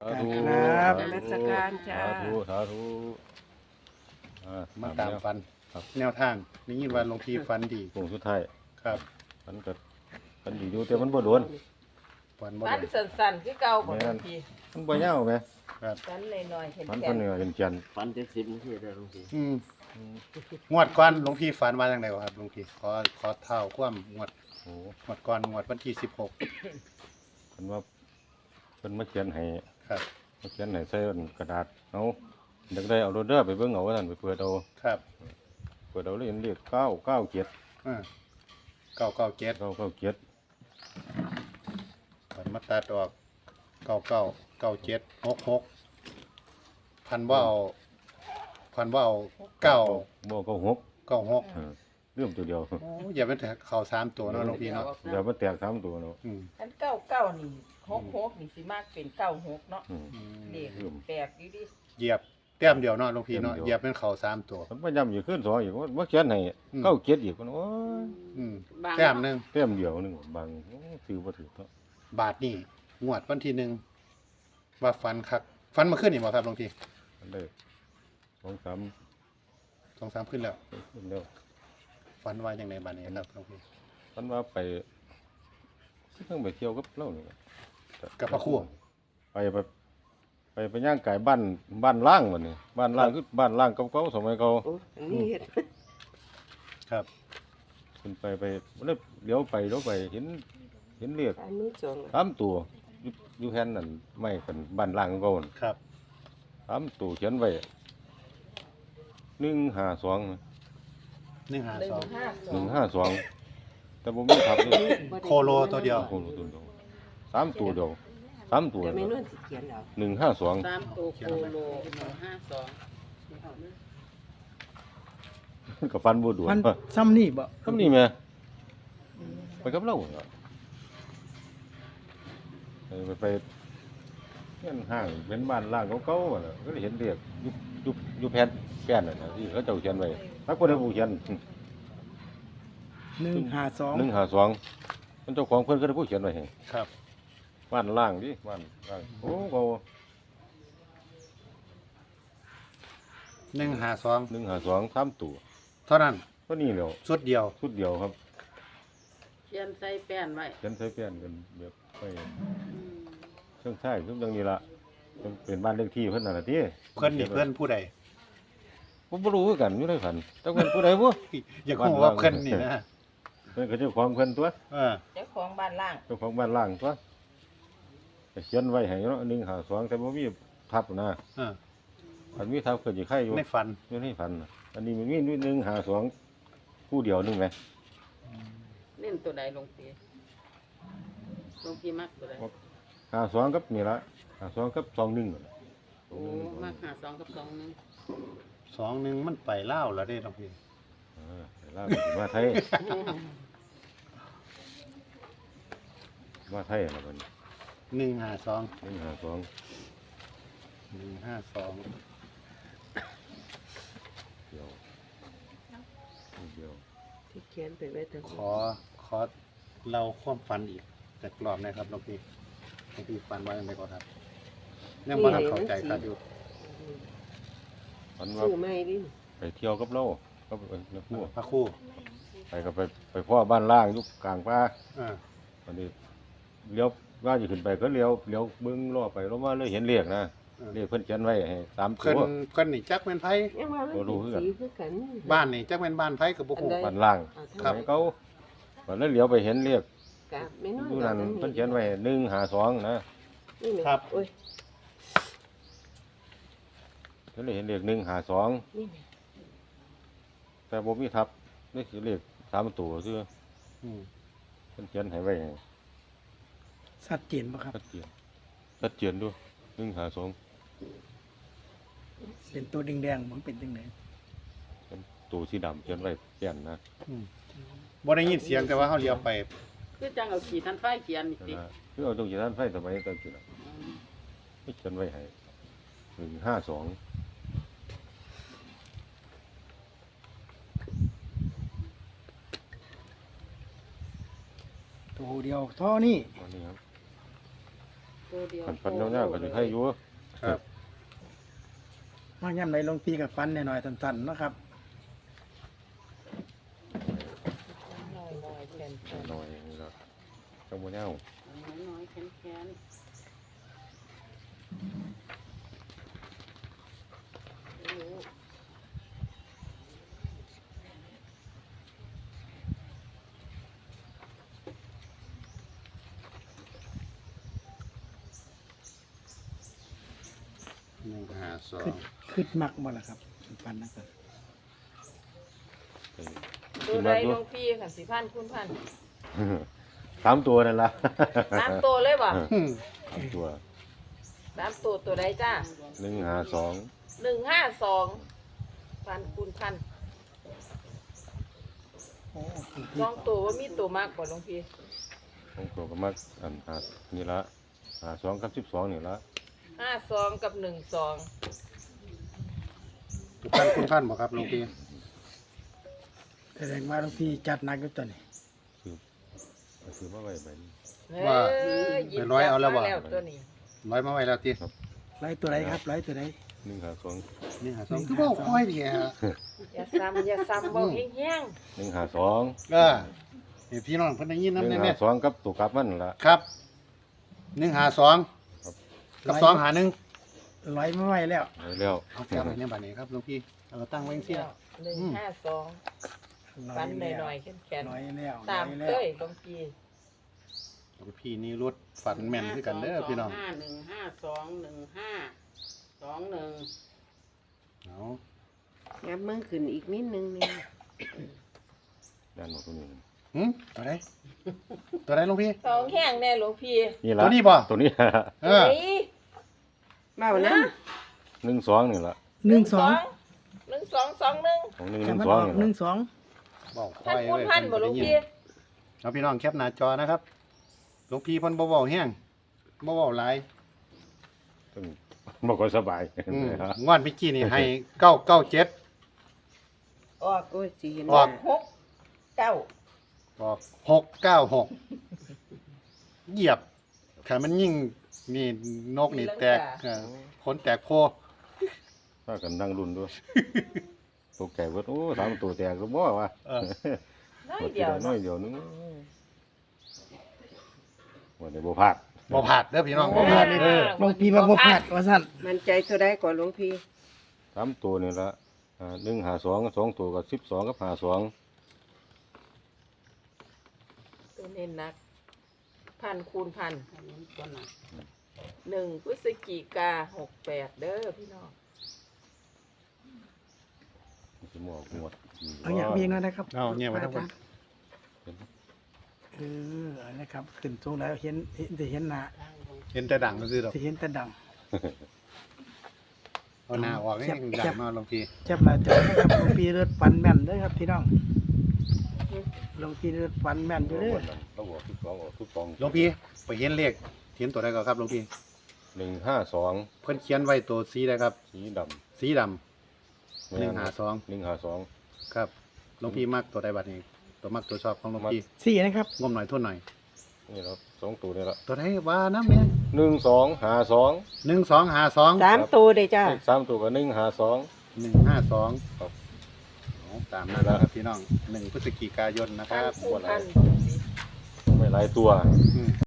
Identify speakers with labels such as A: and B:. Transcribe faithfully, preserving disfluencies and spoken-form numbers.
A: การครับ
B: นมัสการจ้า
C: สาธุสาธุอ่
D: มาตามฟัน
C: ครับ
D: แนวทางนี่ยินว่าหลวงพี่ฟันดี
C: โค้งสุดท้าย
D: ครับ
C: มันก็มันดีอยู่แต่มันบ่โดน
D: ฟันบ่
B: ฟัน
D: โดน
B: สั่นๆคือเก่าบ่
C: แม่
B: ทั
C: น
B: นที
C: มันบ่ยาวแหม
D: ครับ
B: ฟันน้อยๆเห็น
C: มัน
B: แก่
C: เพิ่นเนี่ยเป็นจันทร์
E: ฟันเจ็ดสิบนาทีได้หลวงพี่
D: อืมงวดก่อนหลวงพี่ฝันว่าจังไดวะครับหลวงพี่ขอขอเท่าความงวด
C: โอ้
D: งวดก่อนงวดวันที่สิบหก
C: เพิ่นว่าเพิ่นมาเขียนให้
D: ครับ
C: มาเขียนให้ใส่กระดาษเอาอยากได้เอาโรเดอร์ไปเบิ่งเอาว่าซั่นไปเปิดเอา
D: ครับ
C: เปิดเอาเลยเห็นเลขเก้าเก้าเจ็ด
D: อ่าเก้าเก้าเจ็ด
C: เก้าเก้าเจ็ด
D: ฝันมาตัดออกเก้าเก้าเก้าเจ็ดหกหกพันว่าเอาพันว่าเอาเก้า
C: บ่เก้าหก
D: เก้าหก
C: เออเรื่องตัวเดียว
D: โอ้อย่าเป็นแต่เข่าสามตัวเนาะหลวงพี่เนาะ
C: เดี๋ยวมันแตกสามตัวเนาะ
D: อืม
B: อันเก้าเก้านี่หกหกนี่สิมากเป็นเก้าหกเนาะ
C: อืม
D: อืม
B: เลขแปลกอยู่ดิ
D: เหยียบแต้มเดียวเนาะหลวงพี่เนาะ
C: แต้มเดียว
D: เหยียบเป็นเข่าสามตัว
C: มันพยายามอยู่ขึ้นสองอีกว่าว่าเขียนให้
D: อืม
C: เก้าเจ็ดอีกมันโอ้ย
D: อืมแต้มหนึ่ง
C: เต็มเดียวหนึงบางโอ้ซื้อบ่ถูกเนาะ
D: บาทนี่งวดวันที่หนึ่งว่าฟันคักฟันมาขึ้นอีกบ่ครับหลวงพี่
C: มันได้สองสาม
D: สองสามขึ้นแล้ว
C: ขึ้นแล้ว
D: ฟันว่าอย่างไรบาทนี้ครับหลวงพี่
C: มันว่าไปเพิ่งไปเที่ยวกับเรานี่
D: กับพระครู่
C: ไปไปไปไปย่างไก่บ้านบ้านล่างมันนี่บ้านล่างคือบ้านล่างเก่าๆสมัยเก่า
B: โอ้อันนี้เฮ็ด
D: ครับ
C: ขึ้นไปไปเลี้ยวเลี้ยวไปเลี้ยวไปเห็นเห็นเรียก
B: อันนี้สอง
C: สามตัวอยู่อยู่แผ่นนั่นไม่เป็นบ้านล่างเก่านั่น
D: ครับ
C: สามตัวเขียนไว้หนึ่งห้าสอง
D: หนึ่งหา
B: หนึ่
D: ส
B: ง
D: อง
B: ห้าส
C: ห
B: อ
C: นึ่
B: ง
C: งห้าสองแต่ผมไม่ทับเลย
D: โคโลตัวเดียว
C: โอ้โหตัวเดียวสามตัวเดียวสามตัว
B: แต่ไม่
C: เดียว
B: นวนสิเขียนแล้ว
C: หนึ่งห้าสอง
B: สามตัวโคโลหนึ่งห้าสอง
C: กับฟันบูดวน
A: มันซ้ำนี่บ่
C: ทำนี่แม่ไปกับเราเหรอไปไปไปเงี้ยห้างเป็นบ้านล่างเก่าๆอะน่ะก็ได้เห็นเรียกอยุบยุบยุบแผ่นแผ่นน่ะนะที่เขาเจ้าเขียนไว้ถ้าคนได้ผู้เขียน
A: หนึ่งหาสอง
C: หนึ่งห้าสองมันเจ้าของเพิ่นก็ได้ผู้เขียนไว้ให้
D: ครับ
C: บ้านล่างดิบ้านล่างโอ้เขา
D: หนึ่งหาสอง
C: หนึ่งห้าสองสามตัว
D: เท่านั้น
C: ก็นี่แหล้ว
D: สุดเดียว
C: ชุดเดียวครับ
B: เขียนใส่แป้นไว้
C: เขียนใช้เปลี่ยนกันแบบไปเครื่องใช้เครื่องจังนี้ละมันเป็นบ้านเลขที่เพิ่นน่ะล่ะติ
D: เพื่อนนี่เพื่อนผู้ใด
C: ผมบ่รู้คือกันอยู่ในฝันแต่เพิ่นผู้ใดบ่
D: อย่าคูว่าเพื่อนนี่นะ
C: เพิ่นก็เจ้าของเพิ่นตัว
D: เออ
B: เจ้าของบ้านล่าง
C: เจ้าของบ้านล่างตัวก็เขียนไว้ให้เนาะหนึ่งห้าสองแต่บ่มีทับนะ
D: เออ
C: อันมีทับก็สิไข่อยู่
D: ในฝัน
C: อยู่ในฝันน่ะอันนี้มันมีหนึ่งห้าสองคู่เดียวหนึงแหม
B: เล่นตัวใดลงปีลงปีมักตัวใด
C: ห้าสองกับนี่ละห้าสองกับสองหนึ่งนั่นน่ะ
B: โอ้มักหาสองกับสองหนึง
D: สองหนึ่งมันไปเล่าวแล้วเด้หลวงพี่
C: เออไปลาวก็สิมาไทยมาไทยแล้วมัน
D: หนึ่งหาสอง
C: หนึ่งห้าสอง
D: หนึ่งห้าสอง
C: เดียวเดียว
B: ที่เขียนไปไว้แต่
D: ขอขอเล่าความฝันอีกจากรอบนะครับหลวงพี่หลวงพี่ฝันว่าอย่างไรก่อนครับยังบ่ทันเข้าใจครับอยู่
C: ฝันว่า
B: ซื้อไม่ดิ
C: ไปเที่ยวกับเราก็ไปแล้วพู
D: พระครู่
C: ไปก็ไปไปพ่อบ้านล่างอยู่กลางป่า
D: เออ
C: วันนี้เลี้ยวว่าจะขึ้นไปก็เลี้ยวเลี้ยวเบิ้งล้อไปล้อมาเลยเห็นเลขนะ
D: เออ
C: เลขเพิ่นเขียนไว้ให้สามตั
D: เพิ่น
C: ว
D: เพิ่นนี่จักแม่นไผ
B: ยังว่ามันเป็นสีคือกัน
D: บ้านนี่จักแม่นบ้านไผกับบ่ฮู้
B: อันใด
C: บ้านล่าง
D: ครับ
C: ให้เขาวันนั้นเลี้ยวไปเห็นเลข
B: กะไม่นอน
C: อยู่นั่นเพิ่นเขียนไว้หนึ่งห้าสองนะ
B: นี่แหละ
D: ครับ
B: โอ้ย
C: เพิ่นเลยเห็นเลขหนึ่งห้าสอง
B: นี่แหละ
C: แต่บ่มีทับนี่คือเลขสามตัวซื่อ
D: อืม
C: เพิ่นเขียนให้ไว้ให้
A: ชัดเจนป่ะครับ
C: ชัดเจนชัดเจนด้วยหนึ่งห้าสอง
A: เป็นตัวแดงๆมันเป็นจังได
C: เป็นตัวสีดำเขียนไว้แก่นนะ
D: อืมบ่ได้ยินเสียงแต่ว่าเฮาเลี้ยวไป
B: คือจังเอาขีดทันไฟเขียนนี่ติ
C: นะคือเอาตรงจากนั้นไฟสมัยตอนกี้น่ะไม่เขียนไว้ให้หนึ่งห้าสอง
A: ตัวเดียวเท่านี้
C: ตอนนี้ครับ
B: ตัวตัวเดียว
C: คันฟันยาวๆก็สิให้อยู่
D: ครับ
A: ว่าย่ำไหนหลวงพี่กับฟันหน่อยๆสั้นๆเนาะครับ
B: น้อยน้อยๆแขนแขน
C: น้อยนี่ล่ะจังบ่ยาว
B: น้อยน้อยๆแขนแขนโอ้โห
D: หนึ่งห้าสอ
A: คื
D: ง
A: ดคืดมักบ่ล่ะครับฟันนะครับ
C: ไป
B: ตัวใดหลวงพี่ค่ะสิพันคุณพัน
C: สามตัวนั่นล่ะ
B: สามตัวเลยบ่
D: อืม
C: สามตัว
B: สามตัวตัวใดจ้า
C: หนึ่งห้าสอง
B: หนึ่งห้าสองพันคูณพัน
A: โอ้หลวง
B: ส
A: พี่
B: องตัวว่ามีตัวมากกว่าหลวงพี่
C: ของตัวก็มักอันหานี่ละหาสองกับสิบสองนี่ละ
B: ห้าสองกับหนึ่งสอง
D: ทุกท่านคุณท่านบอกครับหลวงพี่
A: แสดงว่าหลวงพี่จัดหนักอยู่ตัวนี้
C: คือคือมาไว้ใบนี้
D: ว่า
B: หยิบ
D: ไปร้อยเอาแล้วบ่
B: จับมตัวนี้
D: ร้อยมาไว้แล้วตี
A: ไล่ตัวไหนครับไล่ตัวไหน
C: หนึ่งหาสอง
D: นี่หาสองคือบอกค่อยดีฮะ
B: อย่าซ้ำอย่าซ้ำบอกแห้ง
C: หนึ่งหาสอง
D: เออนี่พี่น้องเพิ่นได้ยิน
C: ห
D: นำ
C: นึ่ง
D: แน่
C: หาสองกับตัวกลับมันนั่นละ
D: ๆครับหนึ่งหาสองกับสองหาหนึ่ง
A: ร้อยมาไว้แล้ว
C: ไว้แล้ว
D: เอาจับไว้ในบัดนี้ครับหลวงพี่เอาตั้งไว้
B: ๆ
D: เสีย
B: หนึ่งห้าสอง
A: ร้
B: ฟันห
A: แล้ว
B: น่อยๆแข็ง
A: ร้อยแล้ว
B: ๆตาม
A: ร้อย
B: เค
A: แล้ว
B: ยหลวงพี่
D: หลวงพี่นี่รถฝันแม่นคือกันเด้อพี่น้อง
B: ห้าหนึ่งห้าสองหนึ่งห้าสองหนึ่ง
D: เอา
B: งับมือขึ้นอีกนิดนึงนี่
C: ด้านหมดตัวนี้
D: หึตัวไหนตัวไหนหลวงพี่
B: สองแห้งแน่หลวงพี่
C: นี่ละ
D: ตัวนี้บ่
C: ตัวนี้
D: เออ
B: เบานะ
C: หนึ่งสองนี่ละ
A: หนึ่งสอง
B: หนึ่งสองสองหนึ่ง
C: ของหนึ่งห
A: จะ
C: นึ่ง
A: มัน
C: ส
A: อ
C: อง
A: อก
C: นี่
A: หนึ่
C: ละ
A: งสอง
D: บอก
B: พัน
D: ค่อย
B: คูณ
D: เว้ย
B: พันบ่หลวงพี่
D: เอาพี่น้องแคปหน้าจอนะครับหลวงพี่เพิ่นบ่เว้าแห้งบ่เว้าหลาย
C: ต้องบอกว่าสบาย
D: อืมงวดเมื่อกี้นี่ให้เก้าเก้าเจ็ด
B: ออกโอ้ยสีเห็น
D: ออก
B: หกเก้า
D: บอกหกเก้าหกเหยียบขามันยิ่งนี่นกนี่แตกเออขนแตกโพ
C: ถ้ากันนั่งรุ่นด้วยตัวแก่เบิดโอ้สามตัวแตกก็บ่ว่า
D: เออ
B: น้อย
C: หมดที
B: เดียว
C: ละน้อยเดียวนึงวันนี้บ่พลาด
D: บ่ผาดเด้อพี่น้องบ่ผาดเออ
A: หลวงพี่ว่าบ่พลาดว่าสั่น
E: มันใจตัวได้ก่อนหลวงพี่
C: สามตัวนี่ละอ่าหนึ่งหาสองสองตัวกับสิบสองกับหาสอง
B: ตัวเน้นนัก พันคูณพันหนึ่งพฤศจิกาหกแปดเด้อพี่น้อง
C: จะหมวกหมวด
A: เอาอย่างเพียงนั้นนะครับ
D: เอาเนี่ยไว้ทั้งหมด
A: เออเอานะครับขึ้นสูงแล้วเห็นเห็นจะเห็นหน้า
D: เห็นแต่ดังก็ซื้อดอก
A: จะเห็นแต่ด
D: เอาหน้าออกให้ดังมาหลวงพี่
A: ำจับหน้าจอนะครับหลวงพี่เลือดฟันแม่นเด้อครับพี่น้องหลวงพี่เลือดฟันแม่นอยู่เด้อ
C: เราบอกทุกสองออกทุกสอง
D: หลวงพี่ไปเห็นเลขเห็นตัวใดก่อนครับหลวงพี่
C: หนึ่งห้าสอง
D: เพิ่นเขียนไว้ตัวสีใดครับ
C: สีด
D: สีดำ
C: ำ
D: หนึ่งห้าสอง
C: หนึ่งห้าสอง
D: ครับหลวงพี่มักตัวใดบัดนี้ ตัวมักตัวชอบของหลวงพี่
A: สี่นะครับ
D: งมหน่อยทุ่นหน่อย
C: นี่ครับสองตัวนี่ละ
D: ตัวใดว่าน้ำเนี่ย
C: หนึ่งสองหาสอง
D: หนึ่งสองห้าสอง
E: สามตัวเลยจ้า
C: เลขสามตัวกับหนึ่งหาสอง
D: หนึ่งห้าสอง
C: ครับ
D: ตามนั้นนะครับพี่น้องหนึ่งพฤศจิกายนนะค
B: พั
D: รั
B: น
D: บ
B: คูณพัน
C: ไม่หลายตัว
D: อืม